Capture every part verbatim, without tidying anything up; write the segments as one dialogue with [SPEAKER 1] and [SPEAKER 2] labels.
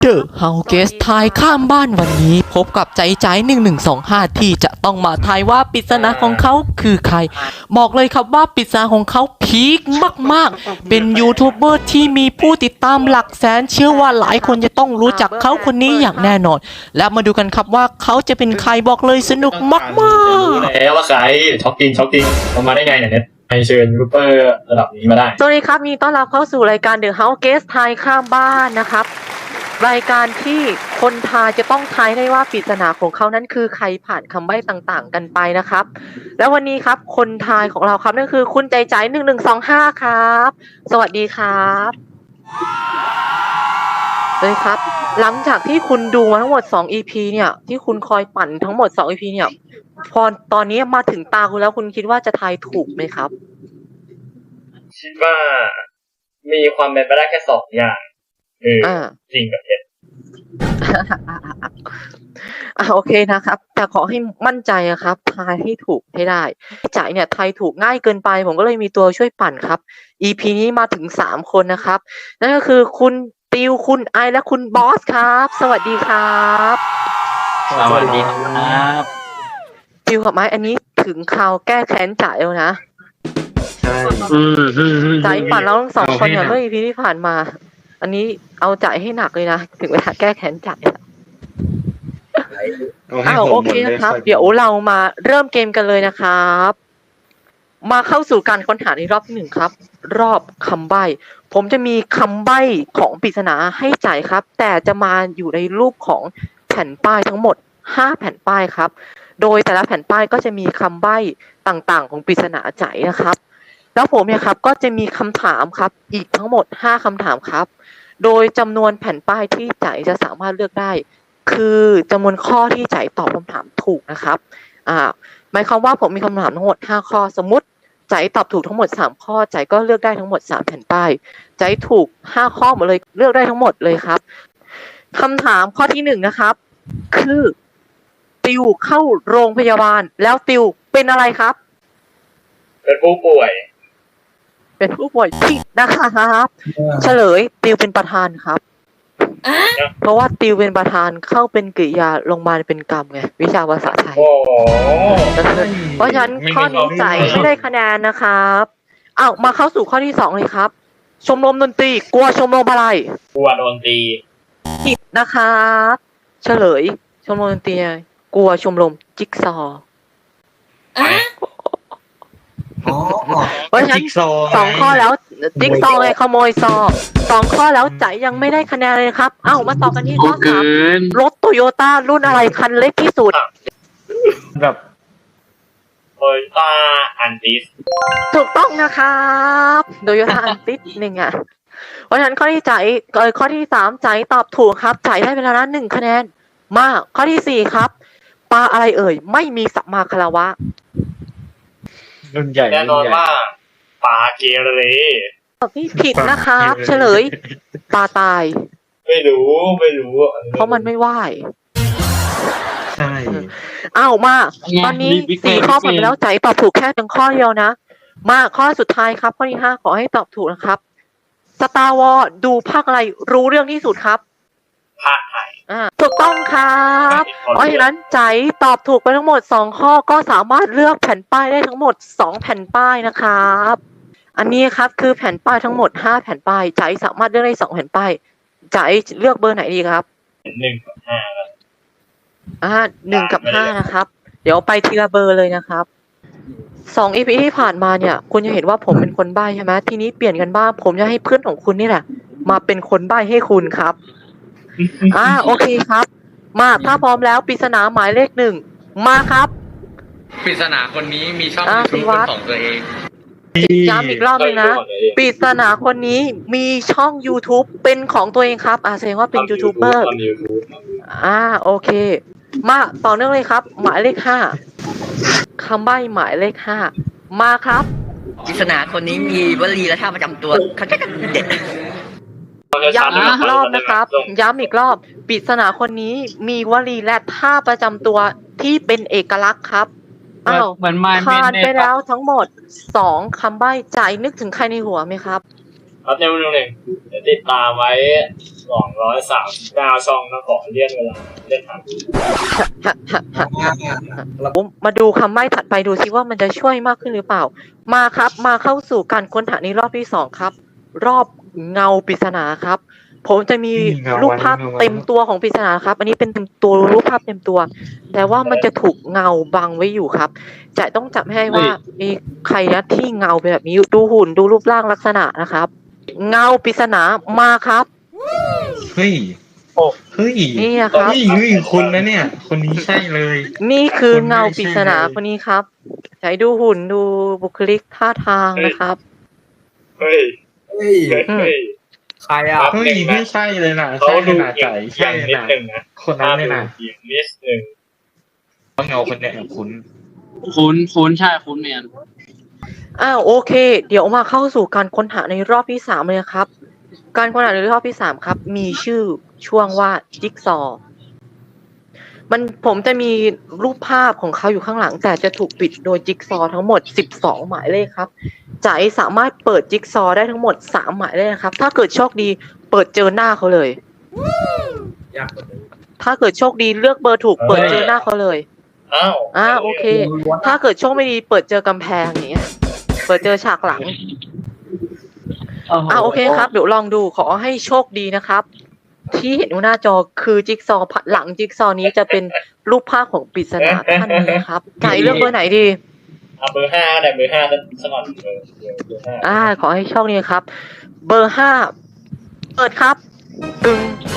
[SPEAKER 1] เดอะเฮาเกสทายข้ามบ้านวันนี้พบกับใจใจหนึ่งหนึ่งสองห้าที่จะต้องมาทายว่าปริศนาของเขาคือใครบอกเลยครับว่าปริศนาของเขาพีคมากๆเป็นยูทูบเบอร์ที่มีผู้ติดตามหลักแสนเชื่อว่าหลายคนจะต้องรู้จักเขาคนนี้อย่างแน่นอนและมาดูกันครับว่าเขาจะเป็นใครบอกเลยสนุกมากๆ
[SPEAKER 2] แล้วว่าใครช็อกจริงช็อกจริงเอามาได้ไงเนี่ยเน็ตให้เชิญยูทูบเบอร์ระดับนี้มาได้
[SPEAKER 3] สวัสดีครับมีต้อนรับเข้าสู่รายการ The House Guest ทายข้ามบ้านนะครับรายการที่คนทายจะต้องทายได้ว่าปริศนาของเขานั้นคือใครผ่านคำใบ้ต่างๆกันไปนะครับแล้ววันนี้ครับคนทายของเราครับนั่นคือคุณใจใจหนึ่งหนึ่งสองห้าครับสวัสดีครับเลยครับหลังจากที่คุณดูมาทั้งหมดสอง อี พี เนี่ยที่คุณคอยปั่นทั้งหมดสอง อี พี เนี่ยพอตอนนี้มาถึงตาคุณแล้วคุณคิดว่าจะทายถูกไหมครับ
[SPEAKER 2] คิดว่ามีความเป็นไปได้แค่สองอย่างคือจริงกับเท็จ
[SPEAKER 3] อ่าโอเคนะครับแต่ขอให้มั่นใจอะครับทายให้ถูกให้ได้จ่ายเนี่ยทายถูกง่ายเกินไปผมก็เลยมีตัวช่วยปั่นครับ อี พี นี้มาถึงสามคนนะครับนั่นก็คือคุณติวคุณไอและคุณบอสครับสวัสดีครับ
[SPEAKER 2] สวัสดีครับ
[SPEAKER 3] ติวกับไม้อันนี้ถึงคราวแก้แค้นจ่ายแล้วนะ
[SPEAKER 2] ใช่
[SPEAKER 3] จ่ายปั่นแล้วทั้งสองคนเนี่ยเมื่อ อี พี ที่ผ่านมาอันนี้เอาจ่ายให้หนักเลยนะถึงเวลาแก้แค้นจ่ายอ้าวโอเคนะครับเดี๋ยวเรามาเริ่มเกมกันเลยนะครับมาเข้าสู่การค้นหาในรอบที่หนึ่งครับรอบคำใบ้ผมจะมีคำใบ้ของปริศนาให้จ่ายครับแต่จะมาอยู่ในรูปของแผ่นป้ายทั้งหมดห้าแผ่นป้ายครับโดยแต่ละแผ่นป้ายก็จะมีคำใบ้ต่างๆของปริศนาจ่ายนะครับแล้วผมเนี่ยครับก็จะมีคำถามครับอีกทั้งหมดห้าคำถามครับโดยจำนวนแผ่นป้ายที่จ่ายจะสามารถเลือกได้คือจำนวนข้อที่จ่ายตอบคำถามถูกนะครับอ่าหมายความว่าผมมีคำถามทั้งหมดห้าข้อสมมุติจ่ายตอบถูกทั้งหมดสามข้อจ่ายก็เลือกได้ทั้งหมดสามแผ่นป้ายจ่ายถูกห้าข้อหมดเลยเลือกได้ทั้งหมดเลยครับคำถามข้อที่หนึ่งนะครับคือติวเข้าโรงพยาบาลแล้วติวเป็นอะไรครับ
[SPEAKER 2] เป็นผู้ป่วย
[SPEAKER 3] เป็นผู้ป่วยผิดนะครับเฉลยติวเป็นประธานครับเพราะว่าติวเป็นประธานเข้าเป็นกริยาลงมาเป็นกรรมไงวิชาภาษาไทยเพราะฉะนั้นข้อนี้จ่ายไม่ได้คะแนนนะครับอ้าวมาเข้าสู่ข้อที่สองเลยครับชมรมดนตรีกลัวชมรมอะไร
[SPEAKER 2] กลัวดนตรี
[SPEAKER 3] ผิดนะครับเฉลยชมรมดนตรีกลัวชมรมจิ๊กซอว์เพราะฉะนั้นสองข้อแล้วจิ๊กซอว์ไงขโมยซอสองข้อแล้วใจยังไม่ได้คะแนนเลยครับเอ้ามาต่อกันที่ข้อสามรถโตโยต้ารุ่นอะไรคันเล็กที่สุด
[SPEAKER 2] แบบโตโยต้าอันติส
[SPEAKER 3] ถูกต้องนะครับโตโยต้าอันติสหนึ่งอ่ะเพราะฉะนั้นข้อที่ใจเอ่อข้อที่สามใจตอบถูกครับใจได้ไปแล้วนะหนึ่งคะแนนมาข้อที่สี่ครับปลาอะไรเอ่ยไม่มีสัมมาคารวะ
[SPEAKER 2] รุ่นใหญ่แน่นอนว่าปลาเกเร
[SPEAKER 3] พี่ผิดนะครับเฉลยปลาตาย
[SPEAKER 2] ไม่รู้ไม่รู้
[SPEAKER 3] เพราะมันไม่ไหว
[SPEAKER 2] ใช่
[SPEAKER 3] อ้าวมาตอนนี้สี่ข้อผ่านไปแล้วใจตอบถูกแค่เพียงข้อเดียวนะมาข้อสุดท้ายครับข้อที่ห้าขอให้ตอบถูกนะครับสตาร์วอร์ดูภาคอะไรรู้เรื่องที่สุดครับ
[SPEAKER 2] ภาคไทย
[SPEAKER 3] อ่าถูกต้องครับเพราะฉะนั้นใจตอบถูกไปทั้งหมดสองข้อก็สามารถเลือกแผ่นป้ายได้ทั้งหมดสองแผ่นป้ายนะครับอันนี้ครับคือแผ่นป้ายทั้งหมดห้าแผ่นป้ายใจสามารถเลือกได้สองแผ่นป้ายใจเลือกเบอร์ไหนดีครับ
[SPEAKER 2] หนึ่งกับห้า
[SPEAKER 3] อ่าหนึ่งกับห้านะครับเดี๋ยวไปทีละเบอร์เลยนะครับสอง อี พี ที่ผ่านมาเนี่ยคุณจะเห็นว่าผมเป็นคนใบ้ใช่ไหมทีนี้เปลี่ยนกันบ้างผมจะให้เพื่อนของคุณนี่แหละมาเป็นคนใบ้ให้คุณครับอ่าโอเคครับมาถ้าพร้อมแล้วปริศนาหมายเลขหนึ่งมาครับ
[SPEAKER 4] ปริศนาคนนี้มีช่องยูทูบเป็นของตัวเอง
[SPEAKER 3] ย้ำอีกรอบเลยนะปริศนาคนนี้มีช่อง YouTube เป็นของตัวเองครับอ่าแสดงว่าเป็นยูทูบเบอร์อ่าโอเคมาต่อเนื่องเลยครับหมายเลขห้าคำใบ้หมายเลขห้ามาครับ
[SPEAKER 5] ปริศนาคนนี้มีวลีและท่าประจำตัวเขาจะเด็ด
[SPEAKER 3] ย้ำอีกรอบนะครับย้ำอีกรอบปริศนาคนนี้มีวลีและท่าประจำตัวที่เป็นเอกลักษณ์ครับอ้าวผ่านไปแล้วทั้งหมดสองคำใบ้ใจนึกถึงใครในหัวไหมครับ
[SPEAKER 2] ครับในวันหนึ่งเดี๋ยวติดตามไว้สองร้อยสามสิบเก้าช่องนะขอเลี่ยนเวลาเล่นทาง
[SPEAKER 3] ผมมาดูคำใบ้ถัดไปดูซิว่ามันจะช่วยมากขึ้นหรือเปล่า มาครับ มาเข้าสู่การค้นหาในรอบที่สองครับ รอบเงาปริศนาครับ ผมจะมีรูปภาพเต็มตัวของปริศนาครับ อันนี้เป็นเต็มตัวรูปภาพเต็มตัว แต่ว่ามันจะถูกเงาบังไว้อยู่ครับ จะต้องจับให้ว่ามีใครนะที่เงาเป็นแบบนี้ดูหุ่นดูรูปร่างลักษณะนะครับ เงาปริศนามาครับ
[SPEAKER 6] เฮ้ย
[SPEAKER 2] โอ้
[SPEAKER 6] เฮ้ย
[SPEAKER 3] นี่นะครับ
[SPEAKER 6] เฮ้ยเฮ้ยคนนะเนี่ย คนนี้ใช่เลย
[SPEAKER 3] นี่คือ
[SPEAKER 6] คนไม่
[SPEAKER 3] เงาปริศนา
[SPEAKER 6] ใช่เลย
[SPEAKER 3] คนนี้ครับใช้ดูหุ่นดูบุคลิกท่าทางนะครับ
[SPEAKER 2] เฮ้ย
[SPEAKER 5] เฮ้ย
[SPEAKER 2] เฮ้ย
[SPEAKER 4] ใครอ่ะ
[SPEAKER 6] เฮ้ยไม่ใช่เลยนะ
[SPEAKER 2] เขา
[SPEAKER 6] ใช่เล
[SPEAKER 2] ดู
[SPEAKER 6] ยนะ
[SPEAKER 2] เอีย
[SPEAKER 6] ใจ
[SPEAKER 2] ง
[SPEAKER 6] ใช่
[SPEAKER 2] เอี
[SPEAKER 6] เลย
[SPEAKER 2] ยงนิด
[SPEAKER 6] นะ
[SPEAKER 2] นึงนะ
[SPEAKER 6] คนนั้นเลยนะ
[SPEAKER 2] เอียงนิดนึง
[SPEAKER 6] ว่าเงาคนเนี้ยคุ้น
[SPEAKER 7] คุ้นคุ้นใช่คุ้นเมียน
[SPEAKER 3] อ้าวโอเค เดี๋ยวมาเข้าสู่การค้นหาในรอบที่สามเลยครับ การค้นหาในรอบที่สามครับ มีชื่อช่วงว่าจิ๊กซอว์มันผมจะมีรูปภาพของเขาอยู่ข้างหลัง แต่จะถูกปิดโดยจิ๊กซอว์ทั้งหมดสิบสองหมายเลขครับใจสามารถเปิดจิ๊กซอว์ได้ทั้งหมดสามหมายเลขครับ ถ้าเกิดโชคดีเปิดเจอหน้าเขาเลย ถ้าเกิดโชคดีเลือกเบอร์ถูกเปิดเจอหน้าเขาเลย
[SPEAKER 2] อ้าว
[SPEAKER 3] อ่าโอเค ถ้าเกิดโชคไม่ดีเปิดเจอกำแพงอย่างเงี้ย เปิดเจอฉากหลัง อ่าโอเคครับ เดี๋ยวลองดูขอให้โชคดีนะครับ ที่เห็นอยู่หน้าจอคือจิ๊กซอว์หลังจิ๊กซอว์นี้จะเป็นรูปภาพของปริศนาท่านนี้ครับไหนเลือกเบอร์ไหนดี
[SPEAKER 2] เอาเบอร์ห้าแต่เบอร์ห้าสนอนเบอร์เบอร์ห้า
[SPEAKER 3] อ่า ขอให้โชคดีครับ เบอร์ห้าเปิดครับตึง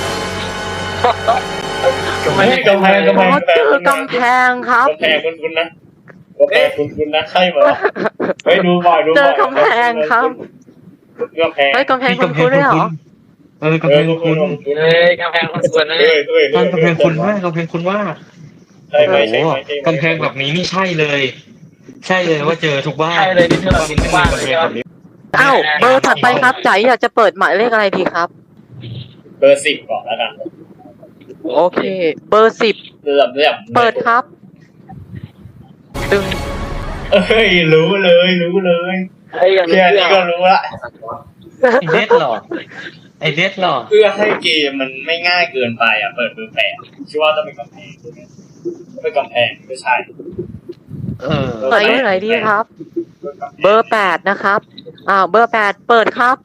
[SPEAKER 2] กำแพงกำแพงกำแพ
[SPEAKER 3] อ๋
[SPEAKER 2] ง
[SPEAKER 3] อเจอกำแพงครับ
[SPEAKER 2] กำแพงคุณคุณนะกำแพงคุณคุณนะใช่ไหมเฮ้ยดูบ่อยดูบ่อย
[SPEAKER 3] เจอกำแพงครับ
[SPEAKER 2] กำแพง
[SPEAKER 3] เฮ้ยกำแพงคุณคุณด้วยเหรอ
[SPEAKER 6] เออกำแพงคุ้น
[SPEAKER 4] เฮ้ยกำแพงคนสวนนะ
[SPEAKER 2] เฮ้ยเฮ้ย
[SPEAKER 6] บ้านกำแพงคุ้นว่ากำแพงคุ้นว่า
[SPEAKER 2] ใช่ไหม
[SPEAKER 6] โอ้
[SPEAKER 2] ใช่
[SPEAKER 6] โห
[SPEAKER 2] ไหมใช่ไหม
[SPEAKER 6] กำแพงแบบนี้นี่ใช่เลย ใช่เลยว่าเจอทุกบ้าน
[SPEAKER 4] ใช่เลยนี่คือเราคิดว่าเลย
[SPEAKER 6] แบบนี้
[SPEAKER 3] อ้าวเบอร์ถัดไปครับใจอยากจะเปิดหมายเลขอะไรดีครับ
[SPEAKER 2] เบอร์สิบก่อนแล้วกัน
[SPEAKER 3] โอเค เบอร์สิบ
[SPEAKER 2] เรื่อเรื่อง
[SPEAKER 3] เปิดครับตึง
[SPEAKER 2] เฮ้ยรู้เลยรู้เลย
[SPEAKER 4] เฮ้ยอย่าง
[SPEAKER 2] แค่นี้ก็รู้ละ
[SPEAKER 6] ไอเด็ดหรอไอเด็ดหรอ
[SPEAKER 2] เพื่อให้เกมมันไม่ง่ายเกินไปอ่ะเปิดเบอร์แปดชื่อว่าต้องเป็นกำแพงใช่ไหมต้องเป็นกำแพงไม่ใช่
[SPEAKER 6] เออ
[SPEAKER 3] ไหนไหนดีครับ เบอร์แปดนะครับอ้าวเบอร์แปดเปิดครับ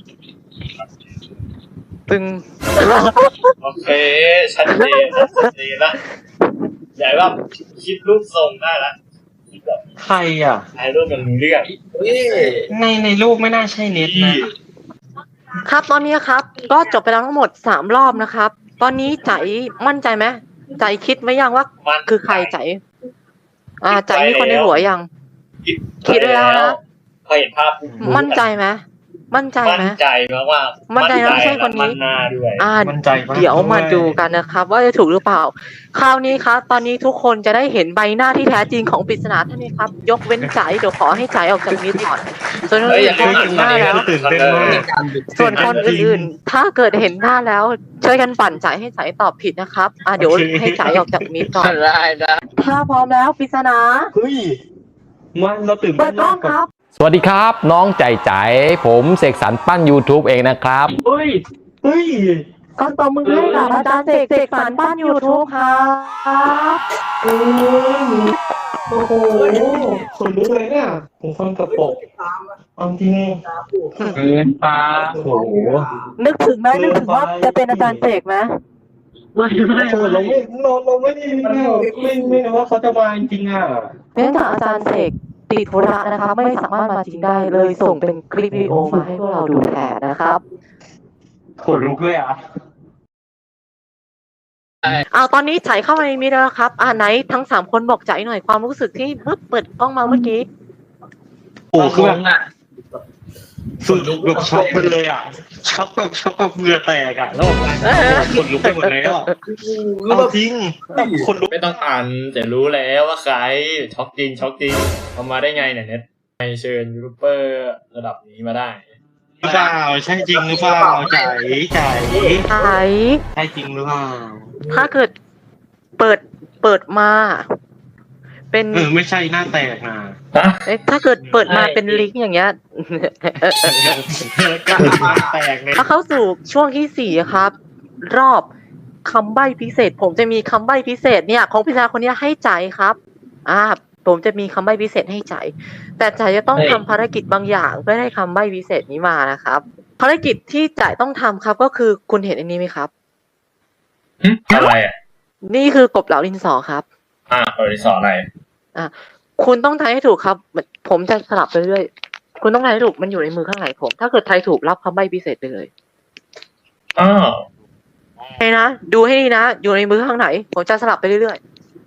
[SPEAKER 3] ตึง
[SPEAKER 2] โอเคชัดเจนนะชัดเจนละใหญ่ว่าคิดรูปทรงได้ละคิดแบบ
[SPEAKER 6] ใครอ่ะ
[SPEAKER 2] ถ่ายรูปมันรู้เรื่อง
[SPEAKER 6] ในในรูปไม่น่าใช่เน็ตนะ
[SPEAKER 3] ครับตอนนี้ครับ ก็จบไปแล้วทั้งหมดสามรอบนะครับ ตอนนี้ใจมั่นใจไหมใจคิดไว้ยังว่า
[SPEAKER 2] มัน
[SPEAKER 3] คือใครใจ อ่าใจมีคนในหัวยัง
[SPEAKER 2] คิด
[SPEAKER 3] คิดไว้แล้วนะ
[SPEAKER 2] พอเห็นภาพ
[SPEAKER 3] มั่นใจไหมมั่นใจไหม
[SPEAKER 2] มั่นใจมากว่า
[SPEAKER 3] มั่
[SPEAKER 2] มั่
[SPEAKER 3] นใจนะไม่ใช่คนนี้
[SPEAKER 2] มั่นหน้าด้วย
[SPEAKER 3] อ่า
[SPEAKER 6] มั่นใจมาก
[SPEAKER 3] เดี๋ยวมาดูกันนะครับ ว่าจะถูกหรือเปล่า คราวนี้ครับ ตอนนี้ทุกคนจะได้เห็นใบหน้าที่แท้จริงของปริศนาท่านนี้ครับ ยกเว้นใจเดี๋ยวขอให้ใจออกจากมิตก่อน ส่วนคนอื่นพอเห็นหน้าแล้ว
[SPEAKER 6] ตื่นเต้นมาก
[SPEAKER 3] ส่วนคนอื่นๆ ถ้าเกิดเห็นหน้าแล้วช่วยกันปั่นใจให้ใจตอบผิดนะครับ อ่าเดี๋ยวให้ใจออกจากมิตก่อน
[SPEAKER 4] ได้ได้
[SPEAKER 3] ถ้าพร้อมแล้วปริศนา
[SPEAKER 6] เฮ้ยมันเราตื่น
[SPEAKER 3] เปิ
[SPEAKER 6] เต้
[SPEAKER 3] ด
[SPEAKER 6] น
[SPEAKER 3] กล้อ
[SPEAKER 6] มาง ก
[SPEAKER 3] ครับ
[SPEAKER 8] สวัสดีครับ น้องใจใจผมเสกสรรปั้น YouTube เองนะครับ
[SPEAKER 6] เฮ้ยเฮ้ย
[SPEAKER 3] ก็ตบมือให้กับอาจารย์เสกเสกสรรปั้นยูทูบครับอืมโอ้โห
[SPEAKER 6] คนรู้เลยเนี่ยผมฟังกระปกเอาจริง
[SPEAKER 4] เกินฟ้า
[SPEAKER 6] โอ้โห
[SPEAKER 3] นึกถึงไหมนึกถึงว่าจะเป็นอาจารย์เสกไหม
[SPEAKER 4] ไม่ไม่
[SPEAKER 6] โอ้โหเราไม่เราเราไม่ได้ไม่ไม่ไม่รู้ว่าเขาจะมาจริงอ่ะ
[SPEAKER 3] เนื่องจากอาจารย์เสกติดธุระนะครับ ไม่สามารถมาจริงได้เลยส่งเป็นคลิปวิดีโอมาให้พวกเราดูแทนนะครับ
[SPEAKER 6] ขนลุกเลยอ่ะ
[SPEAKER 3] เอาตอนนี้ใจเข้ามาในมิตรแล้วครับอ่าไหนทั้งสามคนบอกใจหน่อยความรู้สึกที่เมื่อเปิดกล้องมาเมื่อกี้
[SPEAKER 6] โอ้คือแบบ
[SPEAKER 4] อ่ะ
[SPEAKER 6] สุดแบบช็อกไปเลยอ่ะช็อกแบบช็อกแบบเหงื่อแตกอ่ะแล้วแบบขนลุกไปหมดแล้วอ่ะเอาจริงแบบขนลุก
[SPEAKER 2] ไม่ต้องอ่านแต่รู้แล้วว่าใครช็อกจริงช็อกจริงเอามาได้ไงเนี่ยเน็ตให้เชิญยูทูบเบอร์ระดับนี้มาได้
[SPEAKER 6] หรือเปล่าใช่จริงหรือเปล่าใจใจ
[SPEAKER 3] ใจ
[SPEAKER 6] ใช่จริงหรือเปล่า
[SPEAKER 3] ถ้าเกิดเปิดเปิดมาเป็น
[SPEAKER 6] เออไม่ใช่หน้าแตกนะ
[SPEAKER 2] ฮะ
[SPEAKER 3] เอ๊ะถ้าเกิดเปิดมาเป็นลิงก์อย่างเงี้ย
[SPEAKER 6] ก็หน้าแตกเลย
[SPEAKER 3] ถ้าเข้าสู่ช่วงที่สี่ครับ รอบคำใบ้พิเศษ ผมจะมีคำใบ้พิเศษเนี่ย ของพิจารคนเนี้ยให้ใจครับ อ่า ผมจะมีคำใบ้พิเศษให้ใจ แต่ใจจะต้องทำภารกิจบางอย่างเพื่อให้คำใบ้พิเศษนี้มานะครับ ภารกิจที่จ่ายต้องทำครับ ก็คือคุณเห็นอันนี้ไหมครับ
[SPEAKER 2] หึอะไรอ่ะ
[SPEAKER 3] นี่คือกบเหลาดินสอครับ
[SPEAKER 2] อ่าบริษัทอะไร
[SPEAKER 3] คุณต้องทายให้ถูกครับ ผมจะสลับไปเรื่อยคุณต้องทายให้ถูกมันอยู่ในมือข้างไหนผม ถ้าเกิดทายถูกรับคำใบ้พิเศษไปเลย
[SPEAKER 2] อ้าว
[SPEAKER 3] ให้นะ ดูให้ดีนะ อยู่ในมือข้างไหน ผมจะสลับไปเรื่อย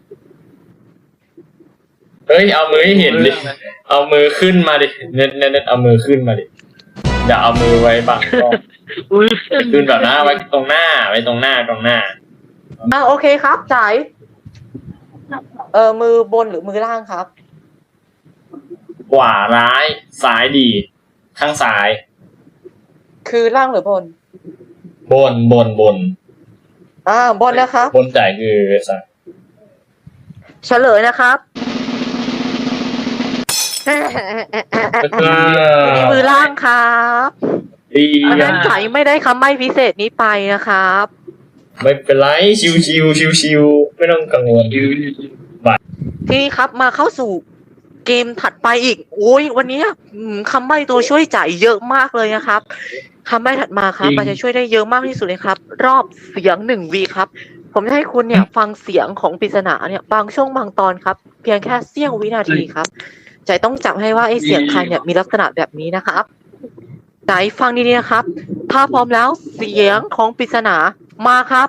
[SPEAKER 2] เฮ้ยเอามือให้เห็นดิเอามือขึ้นมาดิเน็ตเน็ตเน็ตเอามือขึ้นมาดิอย่าเอามือไว้บังกล้อง
[SPEAKER 7] อุ้ย
[SPEAKER 2] ขึ้นแบบหน้าไว้ตรงหน้าไว้ตรงหน้าตรงหน้า
[SPEAKER 3] ๆอ่ะโอเคครับจ่ายเออมือบนหรือมือล่างครับ
[SPEAKER 2] ขวาร้ายซ้ายดี ข้างซ้าย
[SPEAKER 3] คือล่างหรือบน
[SPEAKER 2] บนบนบน
[SPEAKER 3] อ่าบนนะครับ
[SPEAKER 2] บนจ่ายคือซ้าย
[SPEAKER 3] เฉลยนะครับ นี่มือล่างครับ
[SPEAKER 2] ดี
[SPEAKER 3] อันนั้
[SPEAKER 2] อ่ะ
[SPEAKER 3] นจ่ายไม่ได้คำใบ้พิเศษนี้ไปนะครับ
[SPEAKER 2] ไม่เป็นไรชิวชิวชิวชิวๆไม่ต้องกังวล
[SPEAKER 3] ทีนี้ครับมาเข้าสู่เกมถัดไปอีก โอ้ยวันนี้อืมคำใบ้ตัวช่วยจ่ายเยอะมากเลยนะครับคำใบ้ถัดมาครับมันจะช่วยได้เยอะมากที่สุดเลยครับ รอบเสียงหนึ่งวีครับ ผมจะให้คุณเนี่ยฟังเสียงของปริศนาเนี่ยบางช่วงบางตอนครับ เพียงแค่เสี้ยววินาทีครับใจต้องจับให้ว่าไอ้เสียงใครเนี่ยมีลักษณะแบบนี้นะครับไหนฟังดีๆนะครับถ้าพร้อมแล้วเสียงของปริศนามาครับ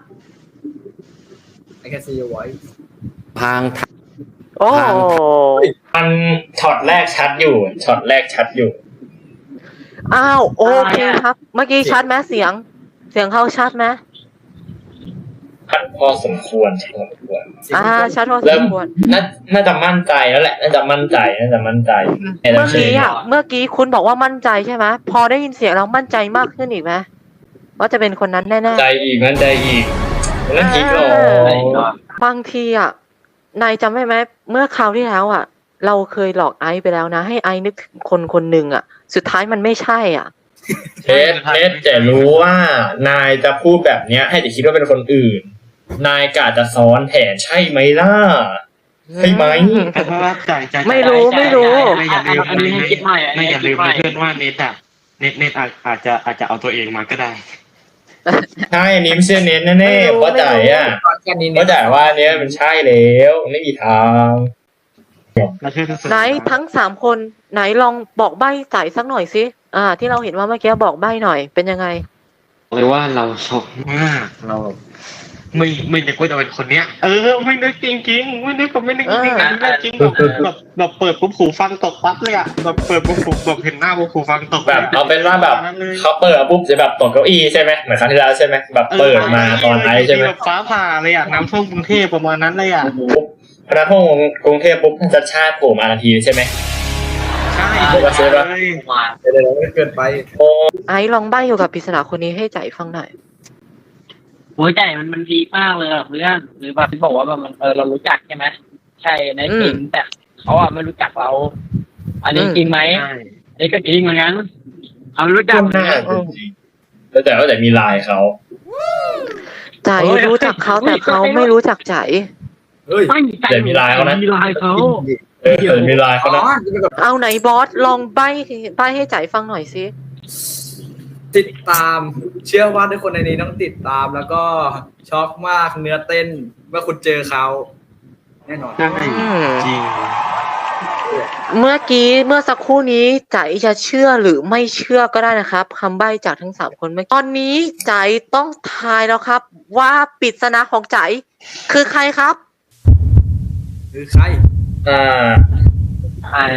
[SPEAKER 9] I can see your voice
[SPEAKER 8] ทาง
[SPEAKER 3] โอ้
[SPEAKER 2] มันช็อตแรกชัดอยู่ช็อตแรกชัดอยู่
[SPEAKER 3] อ้าวโอเคครับ เมื่อกี้ชัดไหมเสียง เสียงเขาชัดไหม
[SPEAKER 2] ชัดพอสมควรชัดพอสมควร
[SPEAKER 3] อ่าชัดพอส
[SPEAKER 2] เริ่
[SPEAKER 3] ม
[SPEAKER 2] ม
[SPEAKER 3] ควร
[SPEAKER 2] น่าน่าจะมั่นใจแล้วแหละน่าจะมั่นใจน่าจะมั่นใจ
[SPEAKER 3] เมื่อกี้อ่ะเมื่อกี้คุณบอกว่ามั่นใจใช่ไหมพอได้ยินเสียงเรามั่นใจมากขึ้นอีกไหมว่าจะเป็นคนนั้นแน่
[SPEAKER 2] ใจอีกมั่นใจอีกนั่นอีกหรอ
[SPEAKER 3] ๆบางทีอ่ะนายจำได้ไหมเมื่อคราวที่แล้วอ่ะ เราเคยหลอกไอซ์ไปแล้วนะ ให้ไอซ์นึกถึงคนคนหนึ่งอ่ะ สุดท้ายมันไม่ใช่อ่ะ
[SPEAKER 2] เทสเทสแต่รู้ว่านายจะพูดแบบเนี้ย ให้แต่คิดว่าเป็นคนอื่น นายกะจะซ้อนแผนใช่ไหมล่ะใช่ไหม
[SPEAKER 6] แต่ว่าจ่ายจ่าย
[SPEAKER 3] ไม่รู้ไม่รู้
[SPEAKER 6] ไม่อย่าลืม
[SPEAKER 7] อันนี้ให้คิดใหม่อัน
[SPEAKER 6] ไม่
[SPEAKER 7] นี้
[SPEAKER 6] อย่า
[SPEAKER 7] ให้
[SPEAKER 6] ลื
[SPEAKER 7] คิ
[SPEAKER 6] ม
[SPEAKER 7] ดใหม่
[SPEAKER 6] เพื่อนว่าเน็ตอะเน็ตเน็ตอาจอาจจะอาจจะเอาตัวเองมาก็ได้
[SPEAKER 2] ใช่อันนี้ไม่ใช่เน้นแน่
[SPEAKER 3] ไม่รู้
[SPEAKER 2] ๆเพราะจ่ายอ่ะ
[SPEAKER 9] แค่นี้
[SPEAKER 2] เพราะจ่ายว่าอันเนี้ยมันใช่แล้วไม่มีทาง
[SPEAKER 6] แล้วเพื่อนก็เสริม
[SPEAKER 3] ไหนทั้งสามคนไหนลองบอกใบ้จ่ายสักหน่อยสิอ่า ที่เราเห็นว่าเมื่อกี้บอกใบ้หน่อยเป็นยังไง
[SPEAKER 6] เลยว่าเราช็อกมากเราไม่ไม่นึกว่าจะเป็นคนเนี้ย เออไม่นึกจริงๆไม่นึกผมไม่นึกจริงๆอันนี้เรื่องจริงแบบแบบแบบเปิดปุ๊บหูฟังตกปั๊บเลยอะแบบเปิดปุ๊บหูแบบเห็นหน้าปุ๊บหูฟังตก
[SPEAKER 2] แบบเอาเป็นว่าแบบ
[SPEAKER 6] นั้นเลย
[SPEAKER 2] เขาเปิดปุ๊บจะแบบตกเก้าอี้ใช่ไหมเหมือนครั้งที่แล้วใช่ไหมแบบเปิดมาตอนไหนใช่ไหม
[SPEAKER 6] แบบฟ้าผ่าเลยอะน้ำท่วมกรุงเทพประมาณนั้นเลยอะ
[SPEAKER 2] ปุ๊บคณะห้องกรุงเทพปุ๊บจะชาติโผล่มาทันทีใช่ไหม
[SPEAKER 6] ใช่
[SPEAKER 2] ใช่ปะ
[SPEAKER 6] เลย
[SPEAKER 7] มา
[SPEAKER 9] เดี๋ยวไม่เกินไป
[SPEAKER 3] ไอซ์ลองใบ้อยู่กับปริศนาคนนี้ให้จ่ายฟังหน่อย
[SPEAKER 7] หัวใจมันมันพีคมากเลยอะเพื่อนหรือแบบที่บอกว่าแบบมันเออเรารู้จักใช่ไหมใช่ในจริงแต่เขาอะไม่รู้จักเรา อันนี้จริงไหม
[SPEAKER 6] ใช่
[SPEAKER 7] อันนี้ก็จริงเหมือนกันเขารู้จัก
[SPEAKER 2] หน้าจริงๆแล้วแต่ว่าแต่มีลายเขา
[SPEAKER 3] จ่ายรู้จักเขาแต่เขาไม่รู้จักจ่าย
[SPEAKER 9] เฮ้ย
[SPEAKER 7] ไม่ใจ
[SPEAKER 2] แต่มีลายเขานะ
[SPEAKER 7] มีลายเขา
[SPEAKER 2] เออแต่มีลายเขา
[SPEAKER 9] อ๋อ
[SPEAKER 2] นะ
[SPEAKER 9] จะเป็นแบบ
[SPEAKER 3] เอาไหนบอสลองใบ้ใบ้ให้จ่ายฟังหน่อยสิ
[SPEAKER 9] ติดตาม เชื่อว่าทุกคนในนี้ต้องติดตามแล้วก็ช็อกมากเนื้อเต้นเมื่อคุณเจอเขาแน่นอน
[SPEAKER 6] ใช่จริง
[SPEAKER 3] เมื่อกี้เมื่อสักครู่นี้จ่ายจะเชื่อหรือไม่เชื่อก็ได้นะครับคำใบ้จากทั้งสามคนเมื่อกี้ตอนนี้จ่ายต้องทายแล้วครับ ว่าปริศนาของจ่ายคือใครครับ
[SPEAKER 9] คือใคร
[SPEAKER 2] อ่า
[SPEAKER 7] อ่า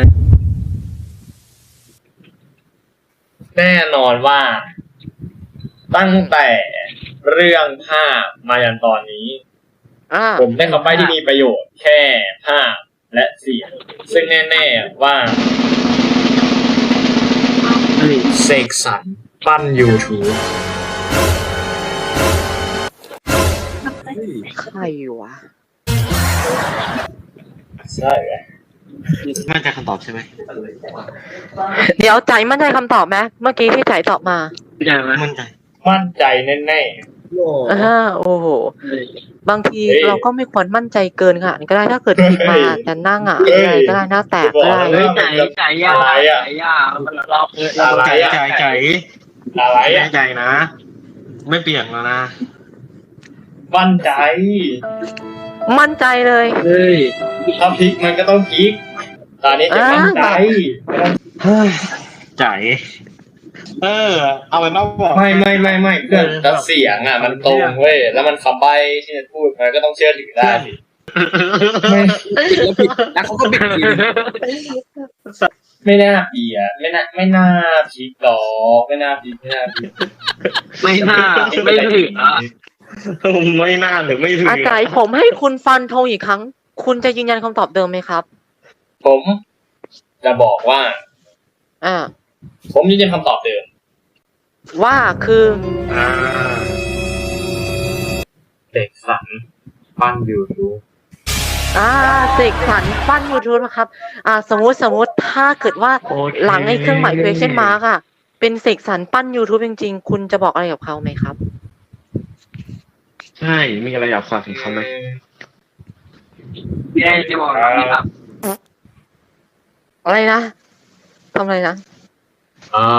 [SPEAKER 2] แน่นอนว่า ตั้งแต่เรื่องภาพมายันตอนนี้
[SPEAKER 3] อ่า
[SPEAKER 2] ผมได้คำใบ้ที่มีประโยชน์แค่ภาพและเสียง ซึ่งแน่ๆว่าเสกสรรปั้น YouTube
[SPEAKER 3] ใครวะ
[SPEAKER 2] ใช่ไง
[SPEAKER 6] มั่นใจคำตอบใช่ไหม
[SPEAKER 3] เดี๋ยวใจมั่นใจคำตอบไหมเมื่อกี้ที่ใจตอบมา
[SPEAKER 7] ใช่ไหม
[SPEAKER 6] มั่นใจ
[SPEAKER 2] มั่นใจแน่
[SPEAKER 3] อ่าโอ้โห บางที
[SPEAKER 2] เฮ้ย
[SPEAKER 3] เราก็ไม่ควรมั่นใจเกินขนาดนี้ก็ได้ถ้าเกิดผิดมา
[SPEAKER 2] เฮ้ย
[SPEAKER 3] จะนั่งอ่ะ
[SPEAKER 2] เฮ้ย
[SPEAKER 3] อะไรก็ได้หน้าแตกก็ได้
[SPEAKER 2] จะบอก
[SPEAKER 7] เฮ้ย
[SPEAKER 2] นะ
[SPEAKER 7] ใจใจยาก
[SPEAKER 2] อะไรอะ
[SPEAKER 7] ใจยากเราเคย
[SPEAKER 2] ๆอะไร
[SPEAKER 6] ใจ
[SPEAKER 2] อะ
[SPEAKER 6] ใจใจ
[SPEAKER 2] อะไรอะ
[SPEAKER 6] ใจนะ ไม่เปลี่ยนแล้วนะ
[SPEAKER 2] มั่นใจ
[SPEAKER 3] มั่นใจเลย
[SPEAKER 7] เฮ้ย
[SPEAKER 2] ถ้าพลิกมันก็ต้องพลิก ตอนนี้จะมั่นใจ
[SPEAKER 6] เฮ้ยใจ เออ เอาเป็นว่าบอก
[SPEAKER 2] ไม่ไม่ไม่ไม่เพื่อนแต่เสียงอ่ะมันตรงเว้ยแล้วมันคำใบ้ที่จะพูดมันก็ต้องเชื่อถือได้
[SPEAKER 9] แล้วเขาก็บิดอีก
[SPEAKER 2] ไม่น่าเปลี่ยนไม่น่าไม่น่าพลิกหรอกไม่น่าพลิกไม่น่าพลิก
[SPEAKER 7] ไม่น่าไม่ถึงอ่ะ
[SPEAKER 6] ไม่น่าหรือไม่ถึง
[SPEAKER 3] อาจารย์ผมให้คุณฟันธงอีกครั้ง คุณจะยืนยันคำตอบเดิมไหมครับ
[SPEAKER 2] ผมจะบอกว่า
[SPEAKER 3] อ่า
[SPEAKER 2] ผมยืนยันคำตอบเดิม
[SPEAKER 3] ว่าคือ
[SPEAKER 6] อ่า
[SPEAKER 2] เด็กสันปั้นยูทูบ
[SPEAKER 3] อ่าเสกสรรปั้นยูทูบนะครับ อ่า สมมติสมมติถ้าเกิดว่า
[SPEAKER 6] โอเค
[SPEAKER 3] หลังไอ้เครื่องหมาย question mark อ่ะ เป็นเสกสรรปั้น YouTube จริงๆ คุณจะบอกอะไรกับเขาไหมครับ
[SPEAKER 6] ใช่มีอะไรอยากฝากถึงเขาไหม
[SPEAKER 7] พี่ได้จะบอกอะไรครับ
[SPEAKER 3] อะไรนะทำอะไรนะ
[SPEAKER 2] อ่า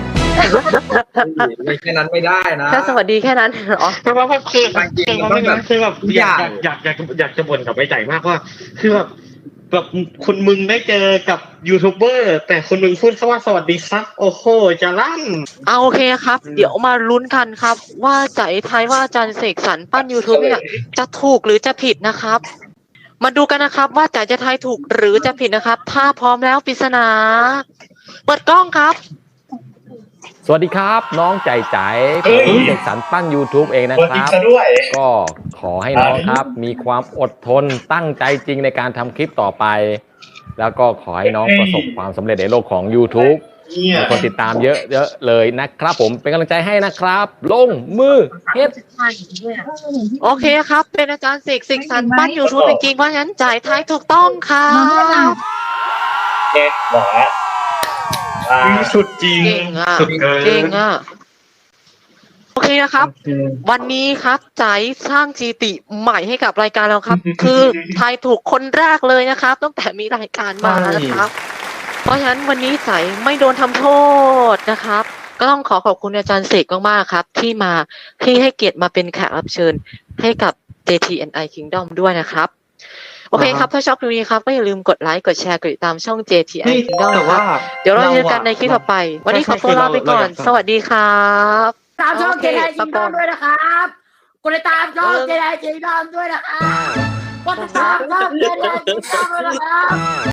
[SPEAKER 9] ไม่แค่นั้นไม่ได้นะ
[SPEAKER 3] แค่สวัสดีแค่นั้นเหรอ
[SPEAKER 6] เพราะว่าคือ
[SPEAKER 9] จริงๆ
[SPEAKER 6] คือ
[SPEAKER 9] มันต้องแบบ
[SPEAKER 6] คือแบบ
[SPEAKER 9] ทุก
[SPEAKER 6] อ
[SPEAKER 9] อย่
[SPEAKER 6] า
[SPEAKER 9] ย่าก ง
[SPEAKER 6] อยากอยากอยากจะบ่นกับไอ้ใจมากว่า คือแบบแบบคุณมึงได้เจอกับยูทูบเบอร์แต่คุณมึงพูดแค่ว่าสวัสดีครับ โอ้โหจะลั่น
[SPEAKER 3] เอาโอเคครับ เดี๋ยวมาลุ้นกันครับ ว่าใจทายว่าอาจารย์เสกสรรปั้น YouTube เนี่ยจะถูกหรือจะผิดนะครับ มาดูกันนะครับ ว่าใจจะทายถูกหรือจะผิดนะครับ ถ้าพร้อมแล้วปริศนา เปิดกล้องครับ
[SPEAKER 8] สวัสดีครับ น้องใจใจผมเด็กสรรปั้น YouTube เองนะ
[SPEAKER 2] เปิด
[SPEAKER 8] ค
[SPEAKER 2] อีก
[SPEAKER 8] รับ
[SPEAKER 2] ซะด้วย
[SPEAKER 8] ก็ขอให้น้องครับ มีความอดทนตั้งใจจริงในการทำคลิปต่อไป แล้วก็ขอให้น้องประสบความสำเร็จในโลกของ YouTube
[SPEAKER 2] เนี่ย
[SPEAKER 8] มีคนติดตามเยอะๆเลยนะครับผมเป็นกำลังใจให้นะครับ ลงมือเฮ็ด
[SPEAKER 3] โอเคครับ เป็นอาจารย์เสกเสกสรรปั้น YouTube จริงๆเพราะฉะนั้นจ่ายทายถูกต้องครับ
[SPEAKER 2] เนี่ยบอกแล้วอ่า
[SPEAKER 6] สุดจริง
[SPEAKER 3] เก่งอ่ะ
[SPEAKER 6] สุดเกิน
[SPEAKER 3] เก่งอ่ะ โอเคนะครับ วันนี้ครับจ่ายสร้างจีติใหม่ให้กับรายการเราครับ คือทายถูกคนแรกเลยนะครับตั้งแต่มีรายการมานะครับ เพราะฉะนั้นวันนี้จ่ายไม่โดนทำโทษนะครับ ก็ต้องขอขอบคุณอาจารย์เสกมากๆครับ ที่มาที่ให้เกียรติมาเป็นแขกรับเชิญให้กับ เจ ที เอ็น ไอ Kingdom ด้วยนะครับ โอเคครับ ถ้าชอบคลิปนี้ครับก็อย่าลืมกดไลค์กดแชร์กดติดตามช่อง เจ ที ไอ Kingdom
[SPEAKER 6] แต่
[SPEAKER 3] นะค
[SPEAKER 6] ว่า
[SPEAKER 3] รับ เดี๋ยวเราเจอกันในคลิปต่อไป วันนี้ขอตัวลาไปก่อน สวัสดีครับ
[SPEAKER 10] ตามช่อง
[SPEAKER 3] โอ
[SPEAKER 10] เจ
[SPEAKER 3] เค
[SPEAKER 10] ไดจิงดอมด้วยนะครับกดติดตามช่องเจไดจิงดอมด้วยนะครับกดติดตามช่องเจไดจิงดอมด้วยนะครับ